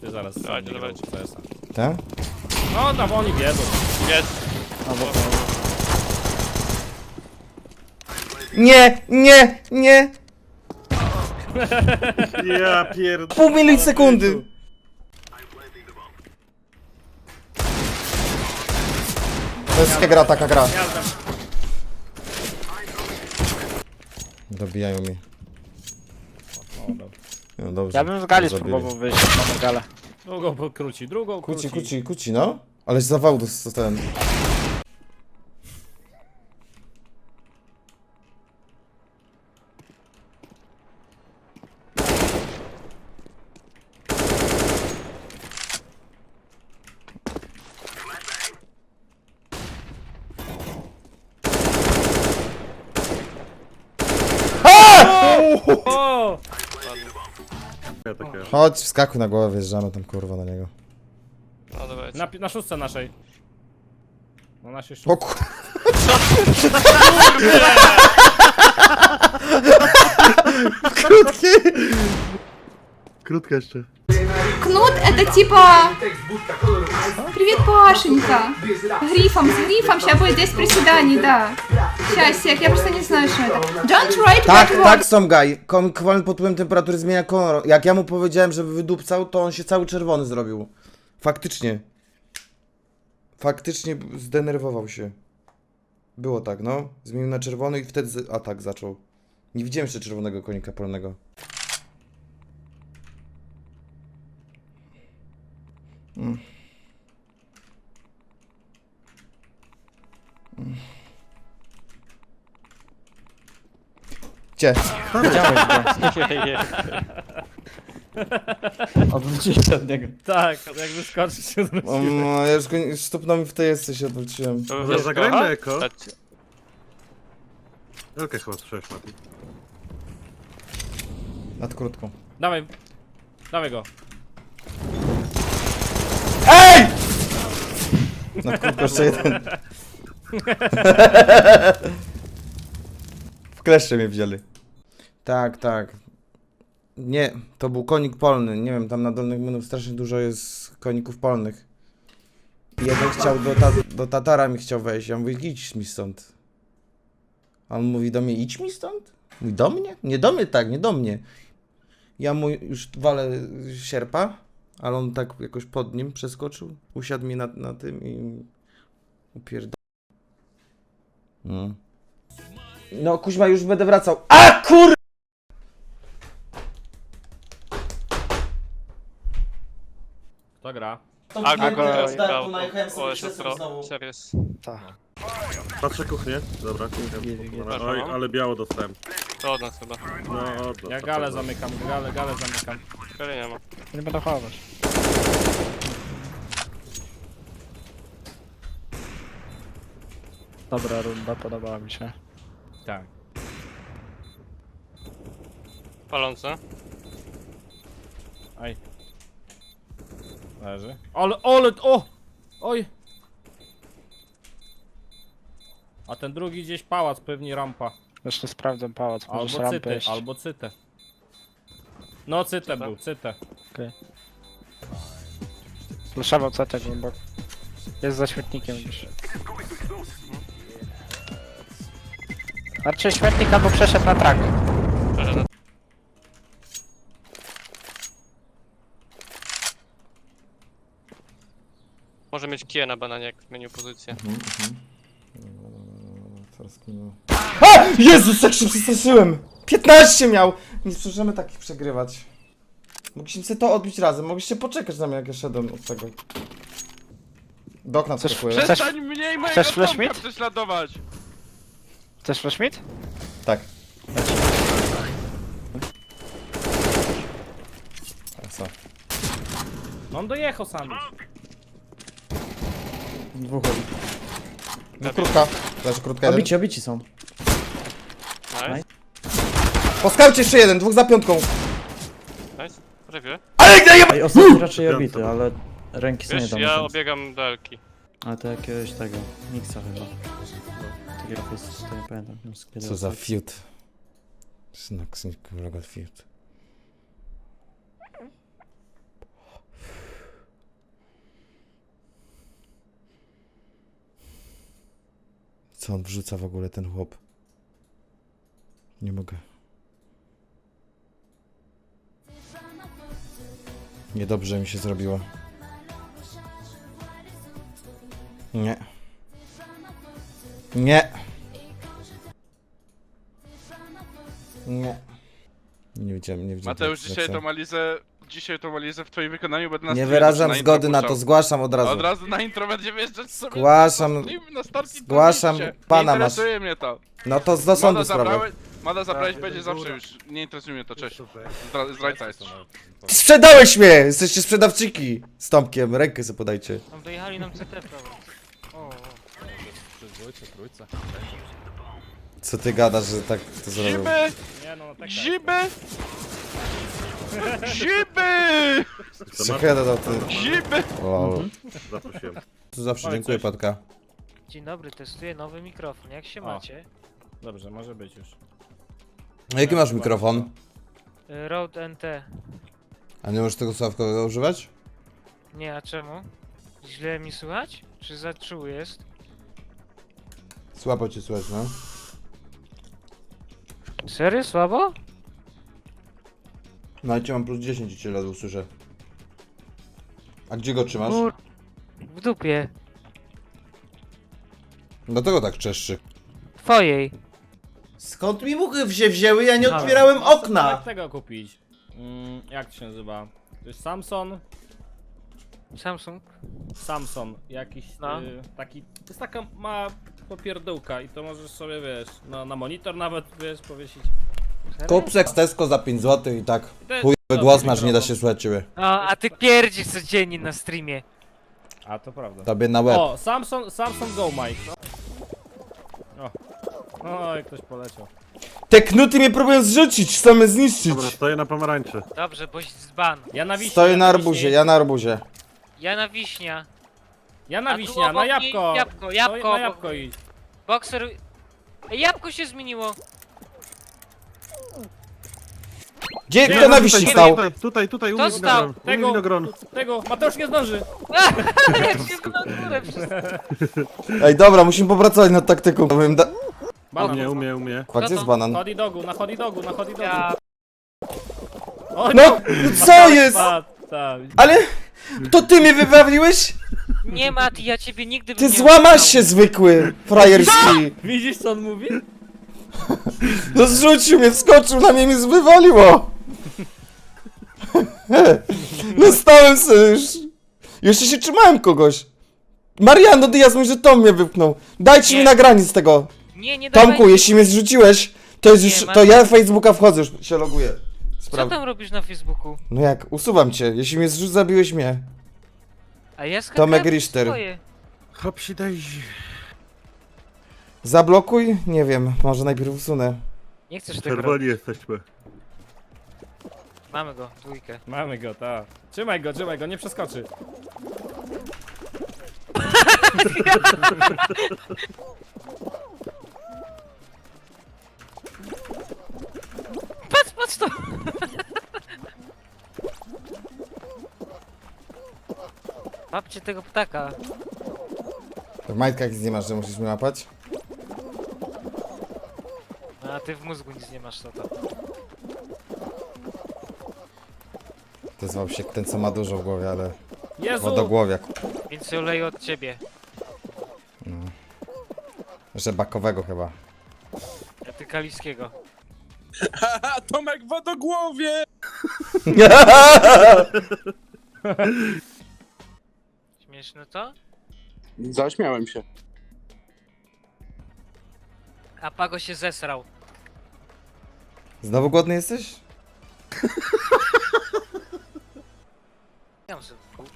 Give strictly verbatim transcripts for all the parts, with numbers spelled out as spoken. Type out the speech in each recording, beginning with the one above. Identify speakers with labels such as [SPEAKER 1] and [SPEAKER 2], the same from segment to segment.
[SPEAKER 1] Ty zaraz sam
[SPEAKER 2] Dawajcie,
[SPEAKER 1] nie grał
[SPEAKER 2] dawajcie.
[SPEAKER 1] w C S a.
[SPEAKER 3] Tak?
[SPEAKER 1] No, tam oni wiedzą.
[SPEAKER 2] Jest.
[SPEAKER 3] Nie, nie, nie!
[SPEAKER 4] Ja pierd...
[SPEAKER 3] Pół milisekundy! To jest taka gra, taka gra.
[SPEAKER 1] Jazda.
[SPEAKER 3] Dobijają mi.
[SPEAKER 1] O, dobra.
[SPEAKER 3] No dobrze.
[SPEAKER 5] Ja bym z gali
[SPEAKER 3] Zabili.
[SPEAKER 5] spróbował wyjść, jak mamy galę.
[SPEAKER 1] Drugą pokróci, drugą
[SPEAKER 3] Kuci,
[SPEAKER 1] króci.
[SPEAKER 3] kuci, kuci, no. Ale z zawału dostałem.
[SPEAKER 1] O!
[SPEAKER 4] Ja takie...
[SPEAKER 3] Chodź, wskakuj na głowę, wjeżdżamy tam kurwa na niego.
[SPEAKER 2] No dawajcie.
[SPEAKER 1] Na, pi- na szóstce naszej. Na naszej szóstce.
[SPEAKER 3] O kur... Krótki!
[SPEAKER 4] Krótka jeszcze.
[SPEAKER 6] Кнут это типа... Привет, Пашенька. Грифом, с грифом. Сейчас будет десять приседаний, да. Сейчас, сек, я просто не знаю, что это. Don't write
[SPEAKER 3] Tak,
[SPEAKER 6] that
[SPEAKER 3] tak,
[SPEAKER 6] word.
[SPEAKER 3] są gaj. Kwalny pod wpływem temperatury zmienia kolor. Jak ja mu powiedziałem, żeby wydupcał, to on się cały czerwony zrobił. Faktycznie. Faktycznie zdenerwował się. Było tak, no. Zmienił na czerwony i wtedy z- atak zaczął. Nie widziałem jeszcze czerwonego konika polnego. Mm. Mm. Gdzie?
[SPEAKER 5] Widziałeś go.
[SPEAKER 7] Odwróciłem się od niego.
[SPEAKER 1] Tak, jak wyskoczyć się
[SPEAKER 3] O,
[SPEAKER 1] zwróciłem.
[SPEAKER 3] no, ja już go nie- stopnął mi w tej jest, się odwróciłem.
[SPEAKER 4] Dobra, zagrajmy eko.
[SPEAKER 2] Chodźcie.
[SPEAKER 4] Okej, chyba słyszałeś, Mati.
[SPEAKER 3] Nad krótką.
[SPEAKER 1] Dawaj, dawaj go.
[SPEAKER 3] EJ! Nad krótką jeszcze jeden. W kleszcze mnie wzięli. Tak, tak. Nie, to był konik polny. Nie wiem, tam na dolnych menu strasznie dużo jest koników polnych. I jeden chciał do, ta do Tatara mi chciał wejść. Ja mówię, idź mi stąd. A on mówi do mnie, idź mi stąd? Mówi, do mnie? Nie do mnie, tak, nie do mnie. Ja mu już walę sierpa, ale on tak jakoś pod nim przeskoczył. Usiadł mi na, na tym i upierdol. No. No, kuźma, już będę wracał. A kur...
[SPEAKER 1] Kto gra?
[SPEAKER 2] A go
[SPEAKER 5] go-
[SPEAKER 2] grał. O, jeszcze pro. Series.
[SPEAKER 5] Tak.
[SPEAKER 4] Patrzę kuchnię. Dobra, kuchnię. Dobra, oj, ale biało dostałem.
[SPEAKER 2] To od nas chyba.
[SPEAKER 4] No, od
[SPEAKER 1] Ja galę zamykam, galę, galę zamykam.
[SPEAKER 2] Kary nie ma.
[SPEAKER 5] Nie będę chować. Dobra runda, podobała mi się.
[SPEAKER 1] Tak.
[SPEAKER 2] Palące.
[SPEAKER 1] Aj. Leży. Ale, ale, o! Oj! A ten drugi gdzieś pałac, pewnie rampa.
[SPEAKER 5] Jeszcze sprawdzę pałac, możesz
[SPEAKER 1] Albo
[SPEAKER 5] rampę
[SPEAKER 1] cytę,
[SPEAKER 5] jeszcze.
[SPEAKER 1] albo cytę. No cytę był, cytę.
[SPEAKER 5] Flashował C T głęboko. Jest za śmietnikiem gdzieś. Raczej śmietnik albo przeszedł na trak.
[SPEAKER 2] Może mieć kiję na bananie, jak zmienił pozycję.
[SPEAKER 3] A! Jezus, jak się przestraszyłem! piętnaście miał! Nie możemy takich przegrywać. Mogliśmy sobie to odbić razem, mogliście poczekać na mnie, jak ja szedłem od tego. Do okna
[SPEAKER 5] Chcesz-
[SPEAKER 3] wskakuję.
[SPEAKER 5] chcesz-
[SPEAKER 2] Przestań mniej mojego
[SPEAKER 5] chcesz flash
[SPEAKER 2] Tomka
[SPEAKER 5] mid?
[SPEAKER 2] prześladować!
[SPEAKER 5] Chcesz flash mid?
[SPEAKER 3] Tak. A co?
[SPEAKER 1] No on dojechał sam.
[SPEAKER 7] Dwóch.
[SPEAKER 3] No krótka. Leży krótka jeden.
[SPEAKER 7] Obici, obici są.
[SPEAKER 2] Nice,
[SPEAKER 3] Po skaucie jeszcze jeden, dwóch za piątką.
[SPEAKER 2] nice. Prawie.
[SPEAKER 7] Ej, ostatni raczej obity, ale ręki są nie
[SPEAKER 2] Wiesz,
[SPEAKER 7] dam.
[SPEAKER 2] ja obiegam delki.
[SPEAKER 7] Ale to jakiegoś tego, Mixa chyba. Taki rafus, to nie pamiętam. już z kiedy
[SPEAKER 3] Co za
[SPEAKER 7] ostatni.
[SPEAKER 3] fiut. Synek, synek, fiut. Co on wrzuca w ogóle, ten chłop? Nie mogę. Niedobrze mi się zrobiło. Nie. Nie. Nie. Nie widziałem, nie widziałem.
[SPEAKER 8] Mateusz,
[SPEAKER 3] tak,
[SPEAKER 8] dzisiaj
[SPEAKER 3] co?
[SPEAKER 8] tą Malizę, dzisiaj tą Malizę w twoim wykonaniu będę na
[SPEAKER 3] Nie
[SPEAKER 8] streamie
[SPEAKER 3] wyrażam
[SPEAKER 8] na intro
[SPEAKER 3] zgody na to,
[SPEAKER 8] puszczał.
[SPEAKER 3] zgłaszam od razu.
[SPEAKER 8] Od razu na intro będzie wjeżdżać sobie.
[SPEAKER 3] Zgłaszam-
[SPEAKER 8] na stream, na Starki
[SPEAKER 3] zgłaszam,
[SPEAKER 8] Twitchie.
[SPEAKER 3] pana
[SPEAKER 8] Nie
[SPEAKER 3] masz.
[SPEAKER 8] interesuje mnie to.
[SPEAKER 3] No to do sądu
[SPEAKER 8] Mada
[SPEAKER 3] sprawę.
[SPEAKER 8] zabrałeś, Mada zabrałeś będzie zawsze już. Nie interesuje mnie to, cześć. Zdra, zdrajca jest.
[SPEAKER 3] Sprzedałeś mnie! Jesteście sprzedawczyki! Z Tomkiem, rękę sobie podajcie.
[SPEAKER 5] Tam dojechali nam C T prawo. O, o.
[SPEAKER 3] Co ty gadasz, że tak to zrobił?
[SPEAKER 8] Ziby!
[SPEAKER 1] Nie no, tak, tak.
[SPEAKER 8] Ziby! Ziby!
[SPEAKER 3] Szacheda dał ty.
[SPEAKER 8] Ziby!
[SPEAKER 3] Lol.
[SPEAKER 4] Zaprosiłem.
[SPEAKER 3] Tu zawsze
[SPEAKER 1] Oj,
[SPEAKER 3] dziękuję,
[SPEAKER 1] coś.
[SPEAKER 3] Patka.
[SPEAKER 5] Dzień dobry, testuję nowy mikrofon. Jak się
[SPEAKER 1] O.
[SPEAKER 5] macie?
[SPEAKER 1] Dobrze, może być już.
[SPEAKER 3] A jaki masz mikrofon?
[SPEAKER 5] Y, Rode N T.
[SPEAKER 3] A nie możesz tego słuchawkowego używać?
[SPEAKER 5] Nie, a czemu? Źle mi słychać? Czy za czuły jest?
[SPEAKER 3] Słabo cię słychać, no.
[SPEAKER 5] Serio? Słabo?
[SPEAKER 3] No ale cię mam plus dziesięć i cię ledwo słyszę. A gdzie go trzymasz?
[SPEAKER 5] Kur... W dupie.
[SPEAKER 3] Dlatego tak czeszczy.
[SPEAKER 5] Twojej.
[SPEAKER 3] Skąd mi muchy się wzięły? Ja nie
[SPEAKER 5] Halo.
[SPEAKER 3] otwierałem
[SPEAKER 1] Jak
[SPEAKER 3] okna!
[SPEAKER 1] tego kupić? Mm, jak to się nazywa? To jest Samsung?
[SPEAKER 5] Samsung.
[SPEAKER 1] Samsung, jakiś
[SPEAKER 5] No.
[SPEAKER 1] y, taki, to jest taka mała popierdółka i to możesz sobie, wiesz, no, na monitor nawet, wiesz, powiesić.
[SPEAKER 5] Serio?
[SPEAKER 3] Kup se Tesco za pięć złotych i tak.
[SPEAKER 1] To jest
[SPEAKER 3] Chujowy
[SPEAKER 1] dobry
[SPEAKER 3] głos masz, nie da
[SPEAKER 1] mikrofon.
[SPEAKER 3] się słuchać ciebie.
[SPEAKER 5] O, a ty pierdzisz codziennie na streamie.
[SPEAKER 1] A, to prawda.
[SPEAKER 3] Tobie na łeb.
[SPEAKER 1] O, Samsung, Samsung Go Mic. O. O, jak ktoś poleciał.
[SPEAKER 3] Te knuty mnie próbują zrzucić, chcą mnie zniszczyć.
[SPEAKER 4] Dobra, stoję na pomarańczy.
[SPEAKER 5] Dobrze, boś dzban.
[SPEAKER 1] Ja na wiśnie.
[SPEAKER 3] Stoję na
[SPEAKER 1] ja
[SPEAKER 3] arbuzie,
[SPEAKER 1] wiśnie.
[SPEAKER 3] ja na arbuzie.
[SPEAKER 5] Ja na wiśnia.
[SPEAKER 1] Ja na
[SPEAKER 5] A tu
[SPEAKER 1] wiśnia, na
[SPEAKER 5] obok
[SPEAKER 1] jabłko.
[SPEAKER 5] niej jabłko,
[SPEAKER 1] To
[SPEAKER 5] jabłko
[SPEAKER 1] Na
[SPEAKER 5] obok
[SPEAKER 1] jabłko
[SPEAKER 5] niej.
[SPEAKER 1] idź.
[SPEAKER 5] Bokser... Ej, jabłko się zmieniło.
[SPEAKER 3] Gdzie
[SPEAKER 4] Nie,
[SPEAKER 3] kto na
[SPEAKER 4] no
[SPEAKER 3] wiśni
[SPEAKER 4] tutaj,
[SPEAKER 3] stał?
[SPEAKER 4] Tutaj, tutaj, tutaj, u mnie
[SPEAKER 5] Kto
[SPEAKER 4] winogron.
[SPEAKER 5] stał?
[SPEAKER 4] U mnie
[SPEAKER 1] Tego,
[SPEAKER 4] winogron.
[SPEAKER 1] tego, Mateusz nie zdąży.
[SPEAKER 5] Jak się na górę wszystko.
[SPEAKER 3] Ej, dobra, musimy popracować nad taktyką. Powiem da...
[SPEAKER 4] U
[SPEAKER 1] Banan.
[SPEAKER 4] mnie, u mnie, u mnie.
[SPEAKER 3] Kwa, gdzie
[SPEAKER 5] to?
[SPEAKER 3] jest banan?
[SPEAKER 1] Hot dogu, na hot dogu, na hot dogu.
[SPEAKER 5] Ja...
[SPEAKER 1] O,
[SPEAKER 3] No, co
[SPEAKER 1] Mateusz
[SPEAKER 3] jest?
[SPEAKER 1] padł, tak.
[SPEAKER 3] Ale... To ty mnie wybawiłeś?
[SPEAKER 5] Nie, Mati, ja ciebie nigdy bym
[SPEAKER 3] Ty
[SPEAKER 5] nie
[SPEAKER 3] złamasz
[SPEAKER 5] oszukał.
[SPEAKER 3] się, zwykły, frajerski.
[SPEAKER 1] Widzisz co on mówi?
[SPEAKER 3] No zrzucił mnie, wskoczył na mnie i mnie wywaliło. No stałem sobie już. Jeszcze się trzymałem kogoś. Mariano Diaz mówi, że Tom mnie wypchnął. Dajcie
[SPEAKER 5] Nie.
[SPEAKER 3] mi nagranie z tego.
[SPEAKER 5] Nie, nie dawaj.
[SPEAKER 3] Tomku, jeśli mnie zrzuciłeś, to jest
[SPEAKER 5] Nie,
[SPEAKER 3] już, to
[SPEAKER 5] Marcin.
[SPEAKER 3] ja Facebooka wchodzę, już się loguję.
[SPEAKER 5] Co
[SPEAKER 3] Spraw...
[SPEAKER 5] tam robisz na Facebooku?
[SPEAKER 3] No jak, usuwam cię, jeśli mnie zrzuć, zabiłeś mnie.
[SPEAKER 5] A ja skakałem
[SPEAKER 3] Tomek Richter.
[SPEAKER 5] swoje.
[SPEAKER 4] Hopsi Daisy.
[SPEAKER 3] Zablokuj? Nie wiem, może najpierw usunę.
[SPEAKER 5] Nie chcesz tego robić.
[SPEAKER 4] Czerwoni jesteśmy.
[SPEAKER 5] Mamy go, dwójkę.
[SPEAKER 1] Mamy go, tak. Trzymaj go, trzymaj go, nie przeskoczy.
[SPEAKER 5] Patrz, patrz to! Babcie tego ptaka.
[SPEAKER 3] W majtkach nic nie masz, że musisz mnie łapać?
[SPEAKER 5] No, a ty w mózgu nic nie masz, to to.
[SPEAKER 3] To zwał się ten, co ma dużo w głowie, ale...
[SPEAKER 1] Jezu!
[SPEAKER 3] Wodogłowiak.
[SPEAKER 5] Więc się oleję od ciebie.
[SPEAKER 3] Że bakowego chyba.
[SPEAKER 5] A ty kaliskiego.
[SPEAKER 8] A Tomek w wodogłowie!
[SPEAKER 5] Śmieszne to?
[SPEAKER 8] Zaśmiałem się.
[SPEAKER 5] A Pago się zesrał.
[SPEAKER 3] Znowu głodny jesteś?
[SPEAKER 5] Ja mam sobie kółko.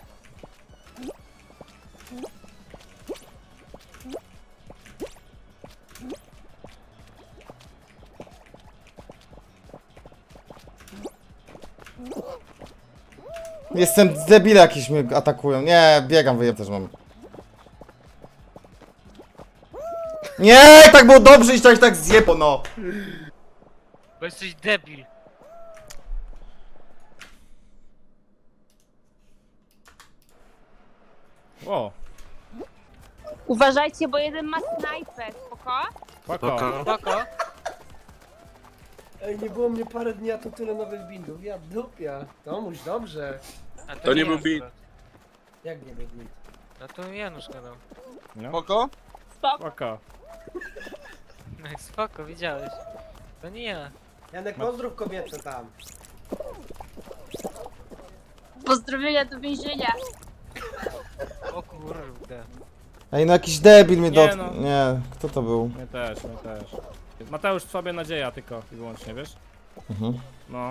[SPEAKER 3] Jestem debile, jakieś mnie atakują. Nie, biegam, wyjem też mam. Nie, tak było dobrze i tak tak zjebo, no.
[SPEAKER 5] Bo jesteś debil.
[SPEAKER 1] O,
[SPEAKER 9] Uważajcie, bo jeden ma snajper, spoko?
[SPEAKER 1] Spoko.
[SPEAKER 5] Spoko.
[SPEAKER 10] Ej, nie było mnie parę dni, a tu tyle nowych bindów. Ja dupia. Tomuś, dobrze.
[SPEAKER 5] A
[SPEAKER 8] To nie był
[SPEAKER 5] Janusz
[SPEAKER 8] beat.
[SPEAKER 5] gadał.
[SPEAKER 10] Jak nie był bind?
[SPEAKER 5] No to Janusz gadał.
[SPEAKER 1] No,
[SPEAKER 8] Spoko?
[SPEAKER 9] Spoko.
[SPEAKER 1] spoko.
[SPEAKER 5] No jak spoko, widziałeś. To nie ja.
[SPEAKER 10] Janek, pozdrów kobietę tam.
[SPEAKER 9] Pozdrowienia do więzienia.
[SPEAKER 5] O kurde.
[SPEAKER 3] Ej, no jakiś debil mnie
[SPEAKER 1] Nie,
[SPEAKER 3] dotknął.
[SPEAKER 1] no.
[SPEAKER 3] Nie, kto to był?
[SPEAKER 1] My też, my też. Mateusz w sobie nadzieja tylko i wyłącznie, wiesz?
[SPEAKER 3] Mhm.
[SPEAKER 1] No.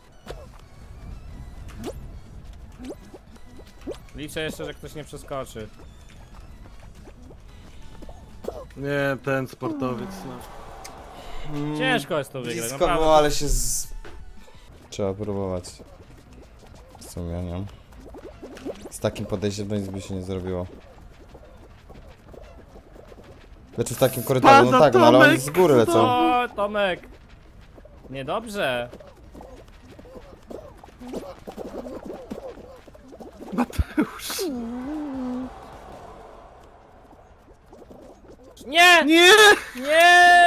[SPEAKER 1] Liczę jeszcze, że ktoś nie przeskoczy.
[SPEAKER 4] Nie, ten sportowiec, no. Mm.
[SPEAKER 1] Ciężko jest to wygrać,
[SPEAKER 3] Blisko
[SPEAKER 1] naprawdę.
[SPEAKER 3] było, ale się z... Trzeba próbować. W sumie, nie? Z takim podejściem to nic by się nie zrobiło. Znaczy w takim korytarzu, no tak, no ale oni z góry lecą.
[SPEAKER 1] O, Tomek! Niedobrze. Mateusz. Nie!
[SPEAKER 4] Nie!
[SPEAKER 1] Nie!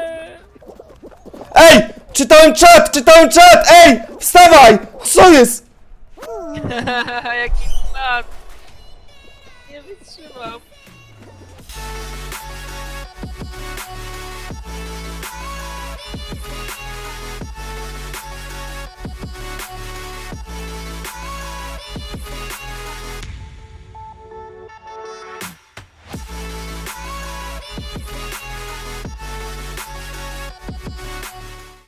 [SPEAKER 3] Ej! Czytałem czat! Czytałem czat! Ej! Wstawaj! Co jest?
[SPEAKER 5] Jaki plan.